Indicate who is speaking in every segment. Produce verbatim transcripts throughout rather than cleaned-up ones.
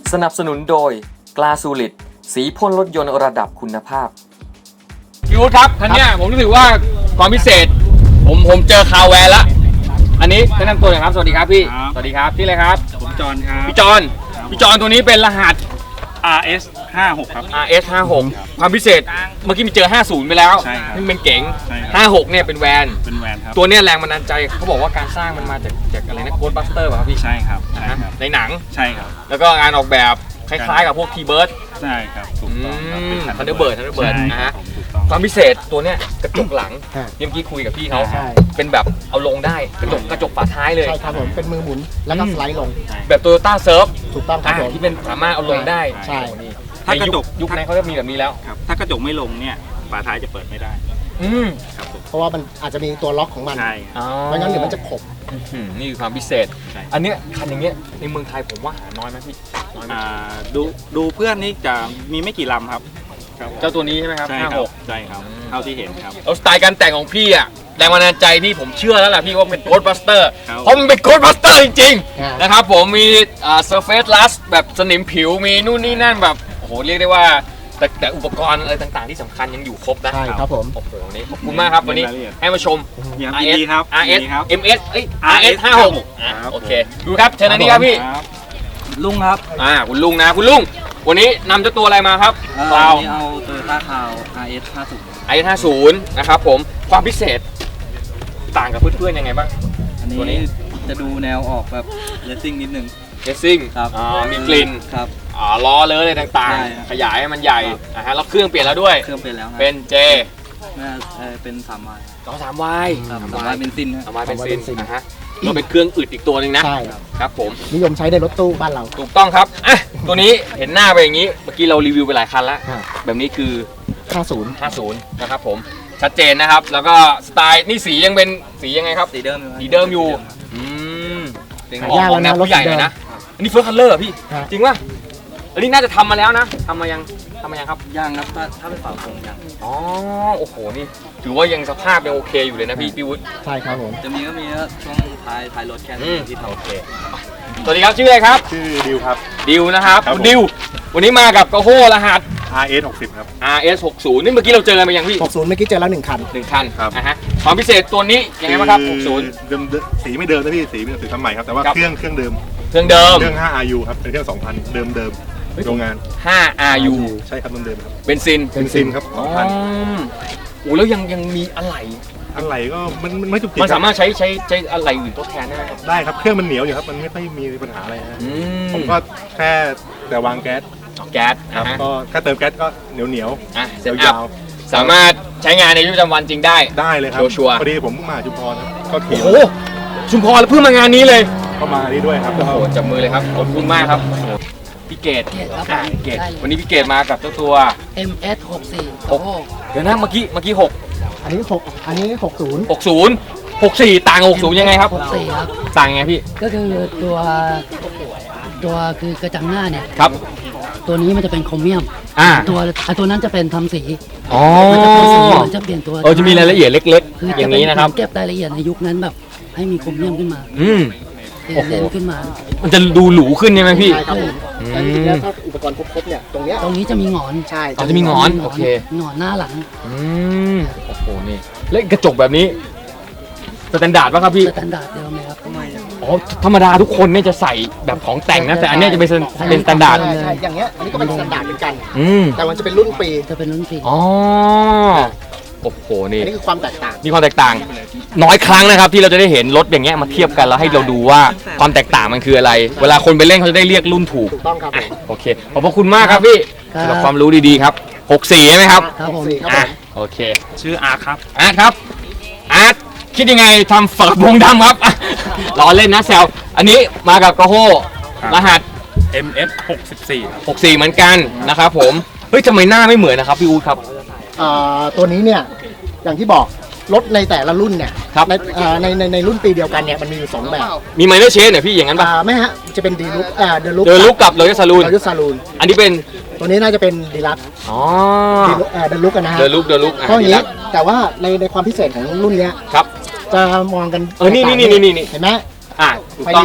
Speaker 1: สนับสนุนโดยกลาสูลิดสีพ่นรถยนต์ระดับคุณภาพพี่วุฒิครับท่านเนี้ยผมรู้สึกว่าความพิเศษผมผมเจอคาแวร์ละอันนี้แนะนำตัวหน่อยครับสวัสดีครับพี่สวัสดีครับที่อะไรครับ
Speaker 2: ผมจอนครับ
Speaker 1: พี่จอนพี่จอนตัวนี้เป็นรหัส
Speaker 2: อาร์ เอส ห้าหก ครับ
Speaker 1: อาร์ เอส ห้าหก ความพิเศษเมื่อกี้มีเจอห้าสิบไปแล้วนี่เป็นเก๋งห้าสิบหกเนี่ยเป็นแวน
Speaker 2: เป็นแวนครับ
Speaker 1: ตัวเนี้ยแรงบันดาลใจเขาบอกว่าการสร้างมันมาจากจากอะไรนะโกดบัสเตอร์ป่ะครับพี่
Speaker 2: ใช่ครับใช่ครับ
Speaker 1: ในหนัง
Speaker 2: ใช่ครับ
Speaker 1: แล้วก็งานออกแบบคล้ายๆกับพวกทีเบิร์ด
Speaker 2: ใช่ครับถูกต้อง
Speaker 1: ทันเดอร์เบิร์ดทันเดอร์เบิร์ดนะฮะความพิเศษตัวเนี้ยกระจกหลังเมื่อกี้คุยกับพี่เขาเป็นแบบเอาลงได้กระจกกระจกฝาท้ายเลย
Speaker 3: ใช่ครับผมเป็นมือหมุนแล้วก็สไลด์ลง
Speaker 1: แบบโตโยต้าเซิร์ฟ
Speaker 3: ถูกต้องครับผม
Speaker 1: ที่เป็นสามารถเอาลงได้
Speaker 3: ใช่
Speaker 1: ถ้ากระจกยุคนั้นเขาจะมีแบบนี้แล้ว
Speaker 2: ถ้ากระจกไม่ลงเนี่ยฝาท้ายจะเปิดไม่ได้
Speaker 1: อืม
Speaker 2: ครับ
Speaker 3: เพราะว่ามันอาจจะมีตัวล็อกของมัน
Speaker 2: ใช่
Speaker 3: ไม่งั้นเดี๋ยวมันจะขบ
Speaker 1: นี่คือความพิเศษอันนี้คันอย่างเงี้ยในเมืองไทยผมว่าหาน้อยไหมพี่น้อยไหม
Speaker 2: ดูดูเพื่อนนี่จะมีไม่กี่ลำครับ
Speaker 1: เจ้าตัวนี้ใช่ไหมครับ
Speaker 2: ห้าหกใช่ครับเท่าที่เห็นครับ
Speaker 1: เอาสไตล์การแต่งของพี่อ่ะแรงบันดาลใจที่ผมเชื่อแล้วแหละพี่ว่าเป็นโกดบัสเตอร์เพราะมันเป็นโกดบัสเตอร์จริงๆนะครับผมมีอ่าเซอร์เฟซลัสแบบสนิมผิวมีนู่นนี่นั่นแบบโอ้โหเรียกได้ว่าแต่แต่อุปกรณ์อะไรต่างๆที่สำคัญยังอยู่ครบนะ
Speaker 3: ใช่ครับผม
Speaker 1: โอ้โหนี่ขอบคุณมากครับวันนี้ให้มาชม
Speaker 2: อาร์ เอส
Speaker 1: ครับ อาร์ เอส เอ็ม เอส เอ้ย อาร์ เอส ห้าหกโอเคดูครับเชิญอันนี้ครับพี่
Speaker 4: ลุงครับ
Speaker 1: อ่าคุณลุงนะคุณลุงวันนี้นำเจ้าตัวอะไรมาครับ
Speaker 4: เราเอา Toyota Crown อาร์ เอส ห้าสิบ
Speaker 1: อาร์ เอส ห้าสิบนะครับผมความพิเศษต่างกับเพื่อนๆยังไงบ้าง
Speaker 4: อันนี้จะดูแนวออกแบบเลสซิ่งนิดนึง
Speaker 1: เลสซิ่ง
Speaker 4: ครับ
Speaker 1: มีกลิ่น
Speaker 4: ครับ
Speaker 1: อ๋อล้อเลยอะไรต่างๆขยายให้มันใหญ่นะฮะแล้วเครื่องเปลี่ยนแล้วด้วย
Speaker 4: เครื่องเปลี่ยนแล้ว
Speaker 1: เป็นเจ
Speaker 4: เป็นสามวาย
Speaker 1: ต่อสามวาย
Speaker 4: สามวายเบนซิน
Speaker 1: สามวายเบนซินนะฮะก็เป็นเครื่องอึดอีกตัวหนึ่งนะ
Speaker 3: ใช่
Speaker 1: ครับผม
Speaker 3: นิยมใช้ในรถตู้บ้านเรา
Speaker 1: ถูกต้องครับอ่ะตัวนี้เห็นหน้าไปอย่างนี้เมื่อกี้เรารีวิวไปหลายคันแล้วแบบนี้คือ
Speaker 3: ห้าสิบ
Speaker 1: ห้าสิบนะครับผมชัดเจนนะครับแล้วก็สไตล์นี่สียังเป็นสียังไงครับ
Speaker 4: สีเดิม
Speaker 1: สีเดิมอยู่อืมเป็นออกแนวผู้ใหญ่เลยนะอันนี้เฟิร์สคัลเลอร์พี่จริงป่ะอันนี้น่าจะทำมาแล้วนะทำมายังทำมายังครับ
Speaker 4: ยังครับถ้าถ้าเป็นฝาโปร่งยัง
Speaker 1: อ๋อโอ้โหนี่ถือว่ายังสภาพยังโอเคอยู่เลยนะพี่พี่วุฒิ
Speaker 3: ใช่ครับผม
Speaker 4: จะมีก็มีช่วงท้ายท้ายรถแค่นี้ที่ทำโอเค
Speaker 1: สวัสดีครับชื่ออะไรครับ
Speaker 2: ชื่อดิวครับ
Speaker 1: ดิวนะครับดิววันนี้มากับกระโห้รหัส
Speaker 2: อาร์ เอส หกสิบครับ
Speaker 1: อาร์ เอส หกสิบนี่เมื่อกี้เราเจอกันไปยังพี่
Speaker 3: หกสิบเมื่อกี้เจอแล้วหนึ่งคัน
Speaker 1: หนึ่งคันครับนะฮะความพิเศษตัวนี้ยังไงบ้างครับหกสิบ
Speaker 2: เดิมสีไม่เดิมนะพี่สีเป็นสีทำใหม่ครับแต่ว่าเครื่องเครื่องเดิม
Speaker 1: เครื่องเดิม
Speaker 2: เครื่อง ห้า อาร์ ยู ครับเป็นเครื่อง สองพัน เดิมเดิมโรงงาน
Speaker 1: ห้า อาร์ ยู
Speaker 2: ใช่ครับเดิมๆครับ
Speaker 1: เบนซิน
Speaker 2: เบนซินครับ
Speaker 1: สองพัน โอ้แล้วยังยังมีอะไร
Speaker 2: อะไรก็มันไม่จุกจิก
Speaker 1: มันสามารถใช้ใช้ใช้อะไรอื่นทดแทนได้ไหม
Speaker 2: ได้ครับเครื่องมันเหนียวอยู่ครับมันไม่ค่อยมีปัญหาอะไรนะผมก็แค่แต่วางแก๊ส
Speaker 1: แก๊ส
Speaker 2: ครับก็แค่เติมแก๊สก็เหนียวเหนียว
Speaker 1: อ่ะเสร็จแล้วสามารถใช้งานในชีวิตประจำวันจริงได้
Speaker 2: ได้เลยครับ
Speaker 1: ชัวร์
Speaker 2: พอดีผมเพิ่งมาชุมพรครับก็ขี่
Speaker 1: โอ้ชุมพรเพิ่งมางานนี้เลย
Speaker 2: ก็มานี่ด้วยครับ
Speaker 1: โอ้โหจับมือเลยครับขอบคุณมากครับพี่เกดเกดวันนี้พี่เกดมากับเจ้าตัว
Speaker 5: เอ็ม เอส หกสิบ
Speaker 1: หกเดี๋ยวนะเมื่อกี้เมื่อกี้หก
Speaker 3: อันนี้หกอันนี้หกสิบ
Speaker 1: หกสิบ หกสิบต่างหกสิบยังไงครับ
Speaker 5: หกสิบครับ
Speaker 1: ต่างไงพี่
Speaker 5: ก็คือตัวตัวคือกระจังหน้าเนี่ย
Speaker 1: ครับ
Speaker 5: ตัวนี้มันจะเป็นโครเมียมตัวตัวนั้นจะเป็นทำสี
Speaker 1: อ๋อ
Speaker 5: มันจะเปลี่ยนตัว
Speaker 1: เออจะมีรายละเอียดเล็กๆอย่างนี้นะครับ
Speaker 5: เก็บรายละเอียดในยุคนั้นแบบให้มีโครเมียมขึ้นมา
Speaker 1: อืม
Speaker 5: โอ้โหขึ้นมา
Speaker 1: มันจะดูหรูขึ้นใช่ไหมพี่
Speaker 3: ใช่ครับแต่จริงๆแล้วถ้าอุปกรณ์ครบๆเนี่ยตรงเนี้ย
Speaker 5: ตรงนี้จะมีหงอน
Speaker 3: ใช่
Speaker 1: อ๋อจะมีหงอนโอเค
Speaker 5: หงอนหน้าหลัง
Speaker 1: อืมโอ้โหนี่แล้วกระจกแบบนี้สแตนดาร์ดป่ะครับพี่
Speaker 5: สแตนดาร์ดเดิมไหมครับทำไม
Speaker 1: อ๋อธรรมดาทุกคนเนี่ยจะใส่แบบของแต่งนะแต่อันนี้จะเป็นเป็นสแตนดาร์ด
Speaker 3: ใช่อย่างเงี้ยอันนี้ก็เป็นสแตนดาร์ดเหมือนกันแต่มันจะเป็นรุ่นปี
Speaker 5: จะเป็นรุ่นปี
Speaker 1: อ๋อโอ้โหนี่
Speaker 3: อันนี้คือความแตกต่าง
Speaker 1: มีความแตกต่างน้อยครั้งนะครับที่เราจะได้เห็นรถอย่างเงี้ยมาเทียบกันแล้วให้เราดูว่าความแตกต่างมันคืออะไรเวลาคนไปเล่นเขาจะได้เรียกรุ่นถูก
Speaker 3: ถูกต้องครับ
Speaker 1: โอเคขอบพระคุณมากครับพี่สำหรับความรู้ดีๆครับหกสิบใช่ไหมครับ
Speaker 5: ครับผม
Speaker 1: อ่ะโอเค
Speaker 2: ชื่ออาร์ตครับ
Speaker 1: อาร์ตครับอาร์ตคิดยังไงทำฝากระโปรงดำครับล้อเล่นนะแซวอันนี้มากับกระโห้รหัส
Speaker 2: เอ็ม เอส หกสิบสี่
Speaker 1: หกสิบสี่เหมือนกันนะครับผมเฮ้ยทำไมหน้าไม่เหมือนนะครับพี่อู๊ดครับ
Speaker 3: ตัวนี้เนี่ยอย่างที่บอกรถในแต่ละรุ่นเนี่ยในในในในรุ่นปีเดียวกันเนี่ยมันมีอยู่สองแบบ
Speaker 1: มีไมเนอร์เชนเนี่ยพี่อย่างนั้นป่ะ
Speaker 3: ไม่ฮะจะเป็นดีลุกอ่าเดลุก
Speaker 1: เดลุกกับรอยัลซาลูน
Speaker 3: รอยัลซาลูน
Speaker 1: อันนี้เป็น
Speaker 3: ตัวนี้น่าจะเป็นดีลัก
Speaker 1: อ๋อ
Speaker 3: เดลุกกันนะฮะ
Speaker 1: เดลุกเดลุก
Speaker 3: เพราะอย่างนี้แต่ว่าในในความพิเศษของรุ่นเนี้ย
Speaker 1: ครับ
Speaker 3: จะมองกัน
Speaker 1: เออนี่นี่นี่นี่
Speaker 3: เห็นไหม
Speaker 1: อ่าถูกต้องครับ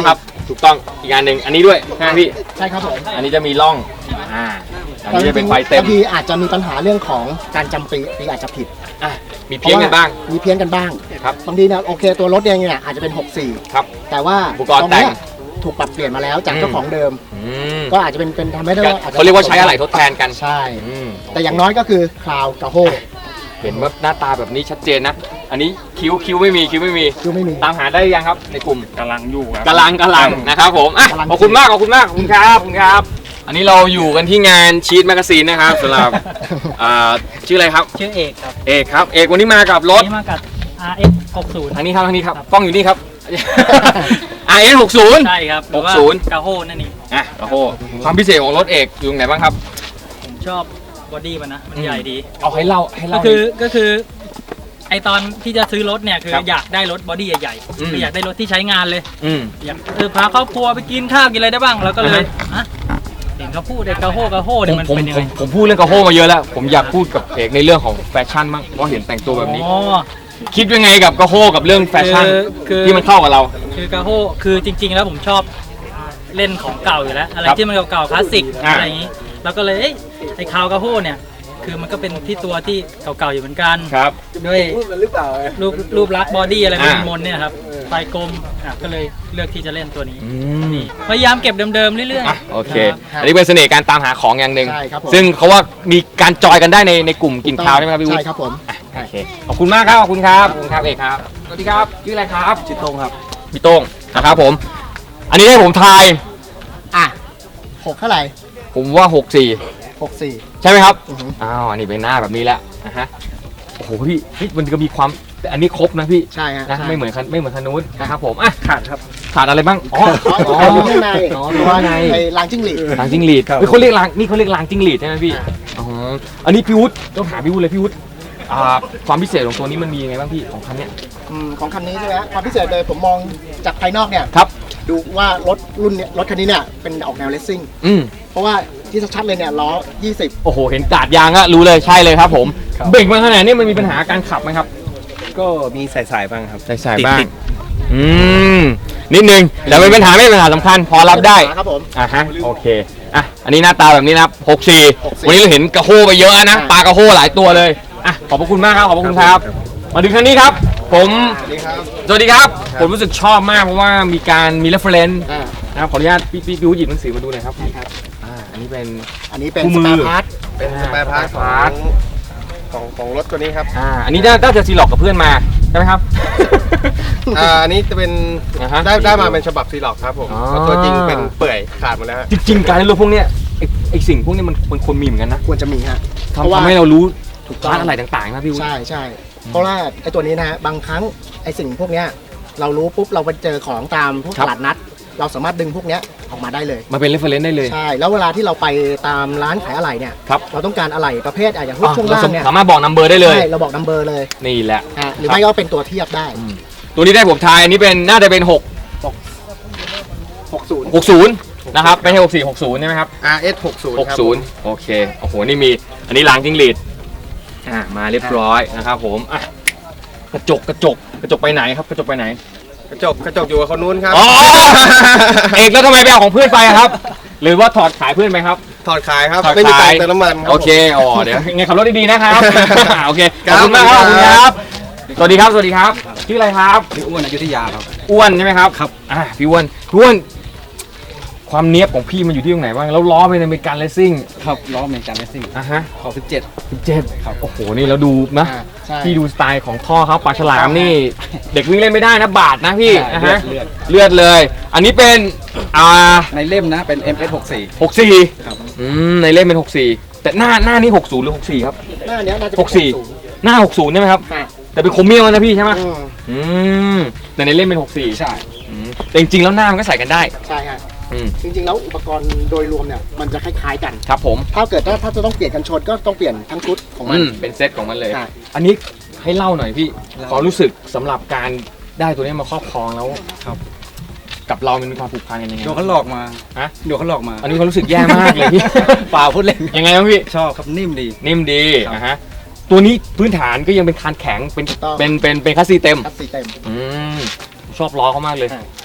Speaker 1: ถูกต้องอีกอันหนึ่งอันนี้ด้วยใช่ไหมพี่
Speaker 3: ใช่ครับผม
Speaker 1: อันนี้จะมีร่องอ่าอันนี้จะเป็นไฟเต็ม
Speaker 3: บางทีอาจจะมีปัญหาเรื่องของการจำปีปีอาจจะผิด
Speaker 1: อ่ะมีเพี้ยนกันบ้าง
Speaker 3: มีเพี้ยนกันบ้าง
Speaker 1: ครับ
Speaker 3: บางทีเนี่ยโอเคตัวรถเองเนี่ยอาจจะเป็นหกสี่
Speaker 1: ครับ
Speaker 3: แต่ว่า
Speaker 1: อุปกรณ์
Speaker 3: ตงเนี้ย
Speaker 1: แต่ง
Speaker 3: ถูกปรับเปลี่ยนมาแล้วจากเจ้าของเดิม
Speaker 1: อืม
Speaker 3: ก็อาจจะเป็นเป็นทำให้ได้ว่อจจะ
Speaker 1: เขาเรียกว่าใช้อะไหล่ทดแทนกัน
Speaker 3: ใช่
Speaker 1: อืม
Speaker 3: แต่อย่างน้อยก็คือคลาวกับโฮ
Speaker 1: เห็นว่าหน้าตาแบบนี้ชัดเจนนะ อันนี้คิ้วคิ้วไม่มีคิ้วไม่มี
Speaker 3: คือไม่มี
Speaker 1: ตามหาได้ยังครับในกลุ่ม
Speaker 2: กำลังอยู่ครับ
Speaker 1: กำลังกำลังนะครับผมอ่ะ
Speaker 3: กำลัง
Speaker 1: ขอบคุณมากขอบคุณมากขอบคุณครับขอบคุณครับ อันนี้เราอยู่กันที่งานชีตแมกกาซีนนะครับสำหรับอ่าชื่ออะไรครับ
Speaker 4: ชื่อเอกครับ
Speaker 1: เอกครับเอกวันนี้มากับรถ
Speaker 4: นี่มากับ อาร์ เอ็กซ์ หกสิบ
Speaker 1: ทางนี้ครับทางนี้ครับกล้องอยู่นี่ครับ อาร์ เอส หกสิบ
Speaker 4: ใช่ครับหรือว่า
Speaker 1: หกสิบ
Speaker 4: กาโฮนั่นเอง
Speaker 1: อ่ะโอ้โหความพิเศษของรถเอกอยู่ตรงไหนบ้างครับ
Speaker 4: ผมชอบบอดี้มันนะ มันใหญ่ดี
Speaker 1: เอาให้เล่าให้
Speaker 4: ก็
Speaker 1: เล่า
Speaker 4: คือก็คือไอตอนที่จะซื้อรถเนี่ยคือ
Speaker 1: ครับ
Speaker 4: อยากได้รถบอดี้ใหญ่
Speaker 1: อืม
Speaker 4: ๆคืออยากได้รถที่ใช้งานเลย
Speaker 1: อืม
Speaker 4: อยากเออพาครอบครัวไปกินข้าวกินอะไรได้บ้างแล้วก็เลยฮะเห็นเขาพูดไอ้กาโฮกาโฮ
Speaker 1: ผ
Speaker 4: เนี่ย
Speaker 1: ม
Speaker 4: มัน
Speaker 1: ผม
Speaker 4: เป็นยัง
Speaker 1: ผ
Speaker 4: ไง
Speaker 1: มผมพูดเรื่องกระโฮมาเยอะแล้ว ผมอยากพูดกับเอกในเรื่องของแฟชั่นบ้างเพราะเห็นแต่งตัวแบบนี้
Speaker 4: อ๋อ
Speaker 1: คิดยังไงกับกระโฮกับเรื่องแฟชั่น
Speaker 4: คือคือ
Speaker 1: ที่มันเข้ากับเรา
Speaker 4: คือกาโฮคือจริง ๆ แล้วผมชอบเล่นของเก่าอยู่แล้ว อะไร
Speaker 1: ครับ
Speaker 4: ที่มันเก่าๆคลาสสิก
Speaker 1: อ่า
Speaker 4: อะไรอย่างนี้ แล้วก็เลยเอ้ยไอ้คาวกาโฮเนี่ย คือมันก็เป็นที่ตัวที่เก่าๆอยู่เหมือนกัน
Speaker 1: ครับ
Speaker 4: ด้วยรูปรูปลักษณ์บอดี้อะไร
Speaker 1: อ่า
Speaker 4: มนๆเนี่ยครับไฟกลมอ่ะก็เลยเลือกที่จะเล่นตัวนี้
Speaker 1: อืม
Speaker 4: พยายามเก็บเดิมๆเรื่อย
Speaker 1: อ่ะโอเค
Speaker 3: ครับ
Speaker 1: อันนี้เป็นเสน่ห์การตามหาของอย่างหนึ่ง
Speaker 3: ใช่ครับผม
Speaker 1: ซึ่งเขาว่ามีการจอยกันได้ในในกลุ่มกินข้าวใช่ไหมครับพี่วุฒิ
Speaker 3: ใช่ครับผม
Speaker 1: โอเคขอบคุณมากครับขอบคุณครับขอบคุณครับเอกครับสวัสดีครับชื่ออะไรครับชื่อโต้งครับพี่โต้งนะครับผม อันนี้ให้ผมทาย
Speaker 3: อ่ะหกเท่าไหร่
Speaker 1: ผมว่าหกสี่
Speaker 3: หกสี่
Speaker 1: ใช่ไหมครับ
Speaker 3: อือฮึ
Speaker 1: อ้าวอันนี้เป็นหน้าแบบนี้แล้วนะฮะโอ้โหพี่เฮ้ยมันก็มีความแต่อันนี้ครบนะพี่
Speaker 3: ใช่ฮะ
Speaker 1: นะ
Speaker 3: ใช่
Speaker 1: ไม่เหมือนคันไม่เหมือนคันนู้นนะครับผมอ่ะขาดครับขาดอะไรบ้างอ๋อ
Speaker 3: อ๋อตัวข้างใน
Speaker 1: อ๋อ
Speaker 3: ตั
Speaker 1: ตัว วข้างใน
Speaker 3: ไอ้ลางจิ้งหรีด
Speaker 1: ลางจิ้งหรีดเฮ้ยเขาเรียกลางนี่เขาเรียกลางจิ้งหรีดใช่ไหมพี่อ๋ออันนี้พี่วุฒิต้องถามพี่วุฒิเลยพี่วุฒิอ่าความพิเศษของตัวนี้มันมียังไงบ้างพี่ของคันเนี้ย
Speaker 3: อืมของคันนี้ใช่ไหมฮะความพิเศษเลยผมมองจากภายนอกเนี่ย
Speaker 1: ครับ
Speaker 3: ดูว่ารถรุ่นเนี้ยรถคันนี้เนี่ยเป็นออกแนวเลสซิ่ง
Speaker 1: อืม
Speaker 3: เพราะว่าที่ชัดๆเลยเนี่ยล้อยี่สิบ
Speaker 1: โอ้โหเห็นกาดยางอะรู้เลยใช่เลยครับผมเบ่งมาขนาดนี้มันมีปัญหาการขับไหมครับ
Speaker 2: ก็มีสายๆบ้างครับ
Speaker 1: ใส่ๆบ้างอืมนิดนึงแต่เป็นปัญหาไม่เป็นปัญหาสำคัญพอรับได้
Speaker 3: ครับผม
Speaker 1: อ่ะฮะโอเคอ่ะอันนี้หน้าตาแบบนี้นะครับหกสี่
Speaker 3: หกสี่
Speaker 1: วันนี้เราเห็นกระโฮไปเยอะนะ
Speaker 3: อ่า
Speaker 1: ปลากระโฮหลายตัวเลยอ่ะขอบพระคุณมากครับขอบพระคุณครับ มาถึงคันนี้ครับ ผม
Speaker 3: สวัสดีครับ
Speaker 1: สวัสดีครับ ผมรู้สึกชอบมากเพราะว่ามีการมี reference
Speaker 3: อ่า
Speaker 1: นะครับขออนุญาตพี่พี่พี่วุฒิหยิบหนังสือมาดูหน่อยครับอ่าอันนี้เป็น
Speaker 3: อันนี้เป็น
Speaker 1: คู่
Speaker 3: ส
Speaker 1: มือ
Speaker 3: ปาร์พาร์ท
Speaker 2: เป็นสปายพาร์ท
Speaker 1: พาร์ท
Speaker 2: ของของรถตัวนี้ครับ
Speaker 1: อ่าอันนี้น่าจะซีล็อกกับเพื่อนมาใช่ไหมครับ
Speaker 2: อ่าอันนี้จะเป็น
Speaker 1: อ่าฮะ
Speaker 2: ได้ได้มาเป็นฉบับซีล็อกครับผม
Speaker 1: อ๋อ
Speaker 2: เพราะตัวจริงเป็นเปื่อยขาดหมดแล้วฮะ
Speaker 1: จริงๆการเล่นรถพวกเนี้ยไอ้ไอ้สิ่งพวกเนี้ยมันมันควรมีเหมือนกันนะ
Speaker 3: ควรจะมีฮะ
Speaker 1: ทำ
Speaker 3: เพราะว่า
Speaker 1: ทำให้เรารู้
Speaker 3: ถูกต้อง
Speaker 1: ร้านอะไรต่างๆนะพี่วุฒิ
Speaker 3: ใช่ใช่เพราะว่าไอ้ตัวนี้นะฮะบางครั้งไอ้สิ่งพวกเนี้ยเรารู้ปุ๊บเราไปเจอของตามพวกตลาดนัด เราสามารถดึงพวกเนี้ยออกมาได้เลย
Speaker 1: มาเป็น reference ได้เลย
Speaker 3: ใช่แล้วเวลาที่เราไปตามร้านขายอะไหล่เนี่ย
Speaker 1: ครับ
Speaker 3: เราต้องการอะไหล่ประเภทอ่ะอย่างพวก
Speaker 1: อ่ะ
Speaker 3: ช่วง
Speaker 1: เรา
Speaker 3: ล่างเนี่ย
Speaker 1: สามารถบอกนัมเบอร์ได้เลย
Speaker 3: ใช่เราบอกนัมเบอร์เลย
Speaker 1: นี่แหละ
Speaker 3: อ่ะหรือไม่ก็เป็นตัวเทียบได้
Speaker 1: ตัวนี้ได้ผมทายอันนี้เป็นน่าจะเป็นหก
Speaker 3: หกสิบ
Speaker 1: หกสิบนะครับไม่ใช่หกสี่หกศูนย์ใช่ไหมครับ
Speaker 2: อาร์ เอส หกสิบ
Speaker 1: หก
Speaker 2: ครับ
Speaker 1: ศูนย์โอเคโอ้โหนี่มีอันนี้ล้างจิ้งหรีดอ่ามาเรียบร้อยนะครับผมอ่ะกระจกกระจกกระจกไปไหนครับกระจกไปไหน
Speaker 2: กระจกกระจกอยู่กับคนนู้นครับ
Speaker 1: อ๋อ เอกแล้วทำไมไปเอาของเพื่อนไปอะครับ หรือว่าถอดขายเพื่อนไปครับ
Speaker 2: ถอดขายครับ
Speaker 1: ถอด
Speaker 2: ไม่มี
Speaker 1: ขาย
Speaker 2: ตังค์เติมน้ำมันรับ
Speaker 1: โอเคอ๋อเดี๋ยวยังไงขับรถดีๆนะครับ โอเคข
Speaker 2: ครั
Speaker 1: อบบ คุณมากครับขอบคุณครับ สวัสดีครับ สวัสดีครับ ชื่ออะไรครับ
Speaker 4: ๆอ้วนอยุธยาครับ
Speaker 1: อ้วนใช่ไหมครับ
Speaker 4: ครับ
Speaker 1: อ่าพี่อ้วนพี่อ้วน ความเนี้ยบของพี่มันอยู่ที่ตรงไหนบ้าง แล้วล้อเป็นอเมริกันเลสซิ่ง
Speaker 4: ครับล้ออเมริกันเลสซิ่ง
Speaker 1: อ่ะฮะ
Speaker 4: ขอสิบเจ็ด
Speaker 1: สิบเจ็ดโอ้โห นี่เราดูนะ
Speaker 3: อ่าใช่
Speaker 1: พี่ดูสไตล์ของท่อเขาปลาฉลามนี่ เด็กวิ่งเล่นไม่ได้นะบาดนะพี่
Speaker 4: ใช่
Speaker 1: นะฮะ
Speaker 4: เลือด
Speaker 1: เลือดเลย อันนี้เป็นอ่า
Speaker 4: ในเล่มนะเป็น เอ็ม เอส หกสิบสี่
Speaker 1: หกสี่
Speaker 4: ครับ
Speaker 1: อืมในเล่มเป็นหกสี่แต่หน้าหน้านี่หกศูนย์หรือหกสี่ครับ
Speaker 3: หน้าเนี้ยน่าจะ
Speaker 1: หกสี่ หน้าหกศูนย์ใช่ไหมครับ
Speaker 3: อ่ะ
Speaker 1: แต่เป็นโครเมียมนะพี่ใช่ไหม
Speaker 3: อืม
Speaker 1: อืมแต่ในเล่มเป็นหกสี่
Speaker 4: ใช่
Speaker 1: อืมแต่จริงๆแล้วหน้ามันก็ใส่กันได้
Speaker 3: ใช่ฮะ
Speaker 1: อืม
Speaker 3: จริงๆแล้วอุปกรณ์โดยรวมเนี่ยมันจะคล้ายๆกัน
Speaker 1: ครับผม
Speaker 3: ถ้าเกิดถ้าถ้าจะต้องเปลี่ยนกันชนก็ต้องเปลี่ยนทั้งชุดของมัน
Speaker 1: อืมเป็นเซตของมันเลย
Speaker 3: ใช่
Speaker 1: อันนี้ให้เล่าหน่อยพี่ความรู้สึกสำหรับการได้ตัวนี้มาครอบครองแล้ว
Speaker 4: ครับ
Speaker 1: กับเรามันมีความผูกพันกันยังไง
Speaker 4: โดนเขาหลอกมา
Speaker 1: ฮะ
Speaker 4: โดนเขาหลอกมา
Speaker 1: อันนี้ความรู้สึกแย่มากเลยพี่
Speaker 4: เปล่าพูดเล่น
Speaker 1: ยังไงบ้างพี่
Speaker 4: ชอบครับนิ่มดี
Speaker 1: นิ่มดี
Speaker 4: ครับ
Speaker 1: นะฮะตัวนี้พื้นฐานก็ยังเป็นคานแข็งเป็น
Speaker 3: ถูกต้อง
Speaker 1: เป็นเป็นเป็นคัสซีเต็ม
Speaker 3: คัสซีเต็ม
Speaker 1: อืมชอบล้อเขามากเลย
Speaker 3: ใช่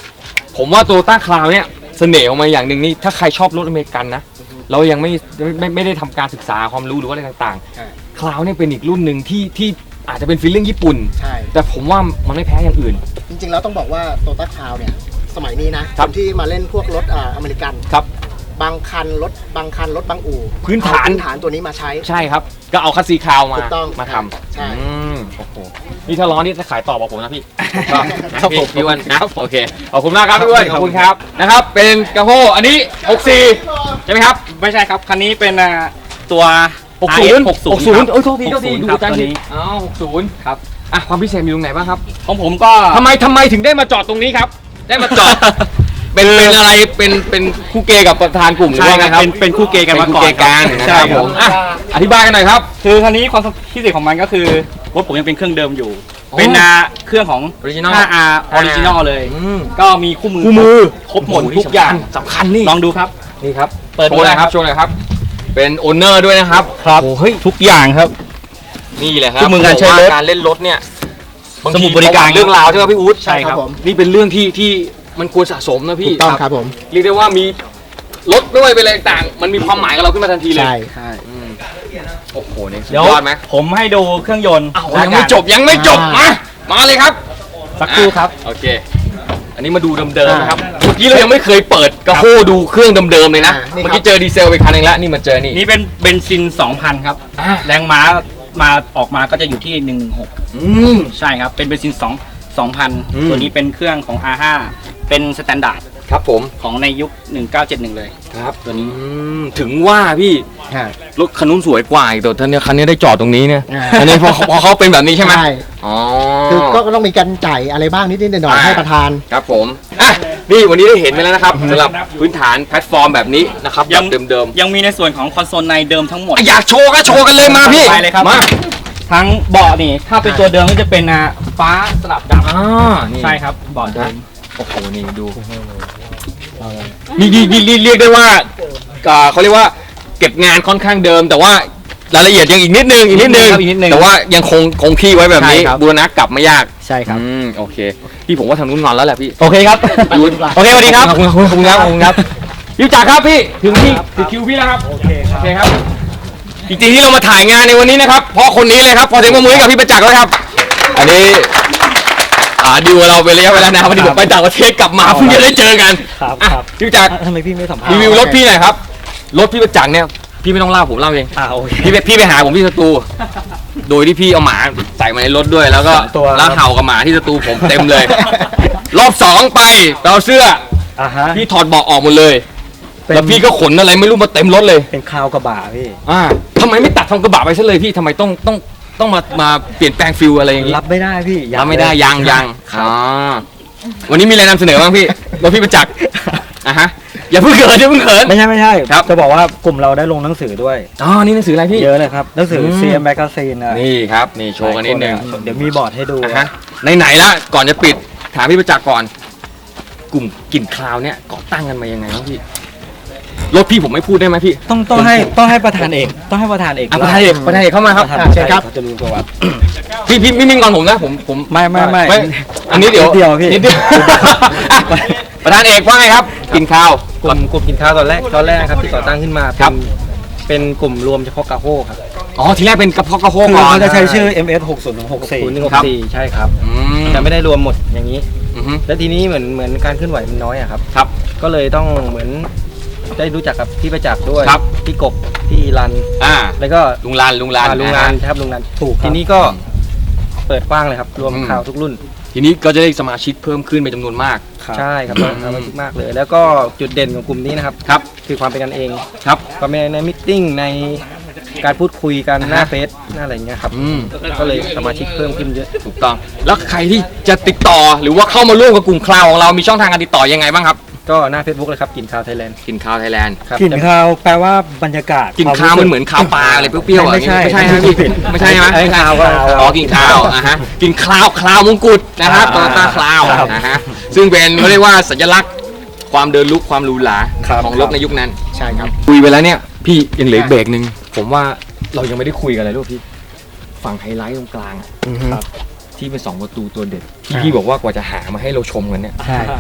Speaker 1: ผมว่าโตโยต้าคลาวเนี่ยเสน่ห์ออกมาอย่างหนึ่งนี่ถ้าใครชอบรถอเมริกันนะเรายังไม่ไม่ไม่ไม่ได้ทำการศึกษาความรู้หรือว่าอะไรต่างๆคลาวเนี่ยเป็นอีกรุ่นหนึ่งที่ที่อาจจะเป็นฟีลลิ่งญี่ปุ่น
Speaker 3: ใช่
Speaker 1: แต่ผมว่ามันไม่แพ้อย่างอื่น
Speaker 3: จริงๆแล้วต้องบอกว่าโตต้าคาวเนี่ยสมัยนี้นะครับ นที่มาเล่นพวกรถอ่าอเมริกัน
Speaker 1: ครับ
Speaker 3: บางคันรถบางคันรถบางอู่
Speaker 1: พื้นฐาน
Speaker 3: เอพื้นฐานตัวนี้มาใช้
Speaker 1: ใช่ครับก็เอาคัสซีคลาวมา
Speaker 3: ถูกต้อง
Speaker 1: มาทำ
Speaker 3: ใช่
Speaker 1: อืมโอ้โหนี่ถ้าร้อนนี่จะขายต่อบอกผมนะพี่ครับผมพี่อ้วันนะโอเคขอบคุณมากครับพี่อ้วันขอบคุณครับนะครับเป็นกระโฮอันนี้หกสี่ใช่ไหมครับ
Speaker 4: ไม่ใช่ครับ คันนี้เป็นอ่าตัว
Speaker 1: หกศูนย์
Speaker 4: หกศูนย์
Speaker 1: หกศูนย์โอ้ยโทษทีโทษที
Speaker 4: หกศูนย์
Speaker 1: ดู
Speaker 4: ครับ
Speaker 1: จัง
Speaker 4: ตัว
Speaker 1: ที
Speaker 4: นี้
Speaker 1: อ๋อหกศูนย์ครับอ่ะความพิเศษมีตรงไหนบ้างครับ
Speaker 4: ของผมก็
Speaker 1: ทำไมทำไมถึงได้มาจอดตรงนี้ครับ ได้มาจอด เป็นเป็นอะไรเป็นเป็นคู่เกย์กับประธานกลุ่มหรือ
Speaker 4: ใช่
Speaker 1: ว่าไง
Speaker 4: ครับ
Speaker 1: ครับ
Speaker 4: เป็นเป็นคู่เกย์กันมาก่อน
Speaker 1: เป็คู่เกย์กันนะ
Speaker 4: ใช่
Speaker 1: ครับ
Speaker 4: ค
Speaker 1: ผ
Speaker 4: รับ
Speaker 1: มอ่ะอธิบายกันหน่อยครับ
Speaker 4: คือคันนี้ความพิเศษของมันก็คือรถผมยังเป็นเครื่องเดิมอยู่
Speaker 1: อ๋อ
Speaker 4: เป็นอ่าเครื่องของ
Speaker 1: Original
Speaker 4: ห้าอาร์ Original เลย
Speaker 1: อืม
Speaker 4: ก็มีคู่มือ
Speaker 1: คู่มือ
Speaker 4: ครบหมดทุกอย่าง
Speaker 1: สำคัญนี่
Speaker 4: ลองดูครับ
Speaker 1: นี่ครับ
Speaker 4: เปิด
Speaker 1: โช
Speaker 4: ดู
Speaker 1: ว์หน่
Speaker 4: ได้
Speaker 1: อยค
Speaker 4: ครั
Speaker 1: รับบ โชว์หน่อยครับ เป็นโอนเนอร์ด้วยนะครับ
Speaker 4: ครับ
Speaker 1: โอ้เฮ้ย
Speaker 4: ทุกอย่างครับ
Speaker 1: นี่แหละครับ
Speaker 4: คู่มือการใช้รถ
Speaker 1: บอว่การเล่นรถเนี่ยบาง
Speaker 4: สมุ
Speaker 1: ที
Speaker 4: ดบริการ
Speaker 1: เรื่องราวใช่ไหมพี่อุ๊ด
Speaker 4: ใช่ครับ
Speaker 3: ผม
Speaker 1: นี่เป็นเรื่องที่ที่มันควรสะสมนะ
Speaker 3: ถู
Speaker 1: พี่
Speaker 3: กต้องครับผม
Speaker 1: เรียกได้ว่ามีรถด้วยเป็นอะไรต่างๆมันมีความหมายกับเราขึ้นมาทันทีเลย
Speaker 3: ใช่
Speaker 4: ใช่
Speaker 1: อืมโอ้โหนี่สุด
Speaker 4: เดี๋ยวย
Speaker 1: อดไหม
Speaker 4: ผมให้ดูเครื่องยนต์
Speaker 1: อ้าวยังไม่จบยังไม่จบมามาเลยครับ
Speaker 4: สักครู่ครับ
Speaker 1: โอเค อันนี้มาดูเดิมๆนะครับเมื่อกี้เรายังไม่เคยเปิดกระโฮดูเครื่องเดิมๆเลยนะ
Speaker 3: อ่านี่ครับ
Speaker 1: เมื่อกี้เจอดีเซลไปคันหนึงแล้วนี่มาเจอนี่
Speaker 4: นี่เป็นเบนซิน สองพัน ครับ
Speaker 1: อ่า
Speaker 4: แรงม้ามาออกมาก็จะอยู่ที่ หนึ่งหนึ่งหก
Speaker 1: อืม
Speaker 4: ใช่ครับ เป็นเบนซิน2 2,000
Speaker 1: อืม
Speaker 4: ตัวนี้เป็นเครื่องของ อาร์ ห้า เป็นสแตนดาร์ด
Speaker 1: ครับผม
Speaker 4: ของในยุค หนึ่งเก้าเจ็ดหนึ่ง เลย
Speaker 1: ครับ
Speaker 4: ตัวนี้
Speaker 1: อืมถึงว่าพี่
Speaker 3: ใช่
Speaker 1: รถคันนู้นสวยกว่าอีกแต่ท่านเนี่ยคันนี้ได้จอดตรงนี้เนี่ย
Speaker 3: อ่า
Speaker 1: อันนี้พอพอเขาเป็นแบบนี้ใช่ไหม
Speaker 3: ใช่
Speaker 1: อ๋อ
Speaker 3: คือก็ต้องมีการจ่ายอะไรบ้างนิดๆหน่อย
Speaker 1: อ่า
Speaker 3: ๆให้ประธาน
Speaker 1: ครับผมอ่ะนี่วันนี้ได้เห็นไปแล้วนะครับสำหรับพื้นฐานแพลตฟอร์มแบบนี้นะครับ
Speaker 4: ยั
Speaker 1: แบบ
Speaker 4: ง
Speaker 1: เดิม
Speaker 4: ยังมีในส่วนของคอนโซลในเดิมทั้งหมด
Speaker 1: ๆอ่ะอยากโชว์ก็โชว์กันเลยมาพี่
Speaker 4: ไปเลยครับ
Speaker 1: มา
Speaker 4: ทั้งเบาะนี่ ถ้าเป็นตัวเดิมก็จะเป็นอ่าฟ้าสลับด
Speaker 1: อ่านี่
Speaker 4: ำใช่ครับเบาะเดิม
Speaker 1: โอ้โหนี่ดูนี่นี่นี่นี่เรียกได้ว่าอ่าเขาเรียกว่าเก็บงานค่อนข้างเดิม แต่ว่ารายละเอียดยังอีกนิดนึงอีกนิดนึง
Speaker 4: ครับอีกนิดนึง
Speaker 1: แต่ว่ายังคงคงที่ไว้แบบนี้
Speaker 4: ใช่ครับ
Speaker 1: บูรณะกลับไม่ยาก
Speaker 4: ใช่ครับ
Speaker 1: อืมโอเคพี่ผมว่าทางนู้นงอนแล้วแหละพี่
Speaker 4: โอเคครับ
Speaker 1: ดู
Speaker 4: โอเคสวัสดีครับ
Speaker 1: ขอบคุณขอบคุณครับขอบคุณครับยูจักรครับพี่ถึงที่ถึงคิวพี่แล้วครับโอเคครับโอเคครับจริงๆที่เรามาถ่ายงานในวันนี้นะครับเพราะคนนี้เลยครับพอเสียงปรบมือให้กับพี่ประจักษ์แล้วครับ อันนี้อ่าดีลกับเราเป็นระยะเวลานานวันนี้ผมไปต่างประเทศกลับมาเพิ่งจะได้เจอกัน
Speaker 4: ครับ
Speaker 1: อ่ะ
Speaker 4: ครับ
Speaker 1: พี่ประจักษ์
Speaker 4: ทำไมพี่ไม่สัมภาษณ์
Speaker 1: รีวิวรถพี่หน่อยครับรถพี่ประจักษ์เนี่ยพี่ไม่ต้องเล่าผมเล่าเอง
Speaker 4: อ่าโอเค
Speaker 1: พี่ไปพี่ไปหาผมที่สตู โดยที่พี่เอาหมาใส่มาในรถด้วย แล้วก็
Speaker 4: สองตัว
Speaker 1: แล้วเห่ากับหมาที่สตูผมเต็มเลย รอบสองไปไปเอาเสื้อ
Speaker 4: อ่าฮะ
Speaker 1: พี่ถอดเบาะออกหมดเลย
Speaker 4: เป็น
Speaker 1: แล้วพี่ก็ขนอะไรไม่รู้มาเต็มรถเลย
Speaker 4: เป็นคาวกระบะพี่
Speaker 1: อ่าทำไมไม่ตัดทำกระบะไปซะเลยพี่ทำไมต้องต้องต้องมามาเปลี่ยนแปลงฟิลอะไรอย่างงี้
Speaker 4: รับไม่ได้พี่
Speaker 1: รับไม่ได้ยังยังอ๋อวันนี้มีอะไรนำเสนอบ้างพี่รถพี่ประจักษ์อ่ะฮะอย่าเพิ่งเขินอย่าเพิ่งเขิน
Speaker 6: ไม่ใช่ไม่ใช่
Speaker 1: ครับ
Speaker 6: จะบอกว่ากลุ่มเราได้ลงหนังสือด้วย
Speaker 1: อ๋อนี่หนังสืออะไรพี่
Speaker 6: เยอะเลยครับ หนังสือ
Speaker 1: อืม
Speaker 6: ซี เอ็ม Magazine อะ
Speaker 1: นี่ครับนี่โชว์กันนิดนึง
Speaker 6: เดี๋ยวมีบอร์ดให้ดู
Speaker 1: อ่ะฮะไหนๆละก่อนจะปิดถามพี่ประจักษ์ก่อน กลุ่มกลิ่นคราวเนี่ยก่อตั้งกันมายังไงครับพี่รถพี่ผมไม่พูดได้ไหมพี่
Speaker 6: ต้องต้องให้ต้องให้ประธานเอกต้องให้ประธานเอก
Speaker 1: อ่ะประธานเอกประธานเอกเข้ามาครับ
Speaker 6: ประธาน
Speaker 3: อ่ะเชิญครับ
Speaker 6: เขาจะรู้ประวัติ
Speaker 1: พี่พี่ไม่มีงอนผมนะผมผม
Speaker 6: ไม่ไม่ไม่
Speaker 1: อันนี้เดี๋ยว
Speaker 6: นิดเดียวพี่
Speaker 1: นิดเดียวอ่ะประธานเอกว่าไงครับกลิ่นคราว
Speaker 7: กลุ่มกลุ่มกินข้าวตอนแรกตอนแรกครับที่ก่อตั้งขึ้นมา
Speaker 1: ครับ
Speaker 7: เป็นเป็นกลุ่มรวมเฉพาะกาโฮครับ
Speaker 1: อ๋อทีแรกเป็นกระเพาะกระโฮ
Speaker 6: คือ
Speaker 1: ก่อน
Speaker 6: เขาจะใช้ชื่อ เอ็ม เอส หกศูนย์หกสี่
Speaker 7: ศูนย์หนึ่งหก
Speaker 1: ครับ
Speaker 7: สี่ใช่ครับ
Speaker 1: อืม
Speaker 7: แต่ไม่ได้รวมหมดอย่างนี้
Speaker 1: อือฮึ
Speaker 7: แล้วทีนี้เหมือนเหมือนการเคลื่อนไหวมันน้อยอะครับ
Speaker 1: ครับ
Speaker 7: ก็เลยต้องเหมือนได้รู้จักกับพี่ประจักษ์ด้วย
Speaker 1: ครับ
Speaker 7: พี่กบพี่รัน
Speaker 1: อ่า
Speaker 7: แล้วก็
Speaker 1: ลุงลานลุงลาน
Speaker 7: อ่าลุง
Speaker 1: ะ
Speaker 7: รั
Speaker 1: ฮะ
Speaker 7: นครับลุงรัน
Speaker 6: ถูกครับ
Speaker 7: ทีนี้ก็เปิดกว้างเลยครับ รวม
Speaker 1: อืม
Speaker 7: ข่าวทุกรุ่น
Speaker 1: ทีนี้ก็จะได้สมาชิกเพิ่มขึ้นเป็นจำนวนมาก
Speaker 6: ครับ
Speaker 7: ใช่ครับ
Speaker 1: อืม
Speaker 7: สมาชิกมากเลย แล้วก็จุดเด่นของกลุ่มนี้นะครับ
Speaker 1: ครับ
Speaker 7: คือความเป็นกันเอง
Speaker 1: ครับ
Speaker 7: ความเป็นในมิทติ้งในการพูดคุยกันหน้าเฟซหน้าอะไรอย่างเงี้ยครับ
Speaker 1: อืม
Speaker 7: ก็เลยสมาชิกเพิ่มขึ้นเยอะ
Speaker 1: ถูกต้องแล้วใครที่จะติดต่อหรือว่าเข้ามาร่วมกับกลุ่มคลาวของเรามีช่องทางการติดต่อยังไงบ้างครับ
Speaker 7: ก็หน้า Facebook เลยครับกินข้าวไทยแลนด์
Speaker 1: กินข้าวไทยแลนด์
Speaker 7: ครับ
Speaker 6: กลิ่นข้าวแปลว่าบรรยากาศ
Speaker 1: กินข้าวมันเหมือนข้าวปลาอะไรเปรี้ยวๆอะไร
Speaker 6: ไม่ใช่
Speaker 1: ไม่ใช่ไหมพี่ไม่ใช่ไหม
Speaker 6: ไอ้ข้าวก็
Speaker 1: อ๋อกินข้าวอ่ะฮะกินคลาวคลาวมงกุฎนะครับโต
Speaker 6: อ่า
Speaker 1: โยต้าคลาว
Speaker 6: ครับ
Speaker 1: นะฮะซึ่งเป็นเขาเรียกว่าสัญลักษณ์ความเดินลุกความหรูหรา
Speaker 6: ครับ
Speaker 1: ของรถในยุคนั้น
Speaker 3: ใช่ครับ
Speaker 1: คุยไปแล้วเนี่ยพี่ยังเหลืออีกเบรกหนึ่งผมว่าเรายังไม่ได้คุยกันเลยลูกพี่ฝั่งไฮไลท์ตรงกลางอะ
Speaker 3: อือฮึ
Speaker 1: ที่เป็นสองประตูตัวเด็ดที่พี่บอกว่ากว่าจะหามาให้เราชมกันเนี่ย
Speaker 6: ใช่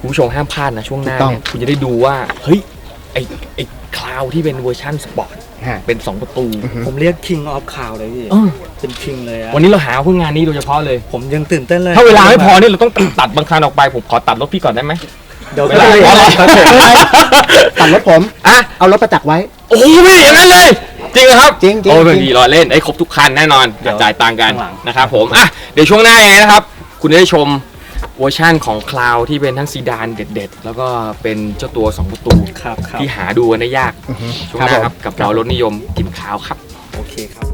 Speaker 1: คุณผู้ชมห้ามพลาดนะช่วงหน้า
Speaker 3: ถูกต้อง
Speaker 1: เนี่ยคุณจะได้ดูว่าเฮ้ยไอไอคลาวที่เป็นเวอร์ชันสปอร์ต
Speaker 3: ฮะ
Speaker 1: เป็นสองประตู
Speaker 6: ผมเรียก King of Cloud เลยพี่
Speaker 1: เออ
Speaker 6: เป็น King เลยอะ
Speaker 1: วันนี้เราหาเพื่องานนี้โดยเฉพาะเลย
Speaker 6: ผมยังตื่นเต้นเลย
Speaker 1: ถ้าเวลาไม่พอเนี่ยเราต้องตัดบางคันออกไปผมขอตัดรถพี่ก่อนได้ไหม
Speaker 3: เดี๋ยว
Speaker 1: เว
Speaker 3: ไม่
Speaker 1: ลา
Speaker 3: เป็นไร
Speaker 1: อ๋อเหรอ
Speaker 3: ไม่เป็นไรตัดรถผม
Speaker 1: อ่ะ
Speaker 3: เอารถประจักษ์ไว้
Speaker 1: โอ้โหพี่อย่างนั้นเลย จริงเหรอครับ
Speaker 3: จริงๆ
Speaker 1: โอ้
Speaker 3: จริ
Speaker 1: ไม่
Speaker 3: ง
Speaker 1: ดีรอเล่นไอ้ครบทุกคันแน่นอน
Speaker 6: เดี๋ยว
Speaker 1: จ่ายตังค์กัน
Speaker 6: ข้างหลัง
Speaker 1: นะครับผมอ่ะเดี๋ยวช่วงหน้ายังไงนะครับ คุณจะได้ชมเวอร์ชั่นของคลาวที่เป็นทั้งซีดานเด็ดๆ แล้วก็เป็นเจ้าตัวสองประตู
Speaker 6: ครับครับ
Speaker 1: ที่หาดูกันได้ยาก
Speaker 3: อือฮึ
Speaker 1: ช่วงหน้าครับกับเรารถนิยมกินคลาวครับ
Speaker 6: โอเคครับ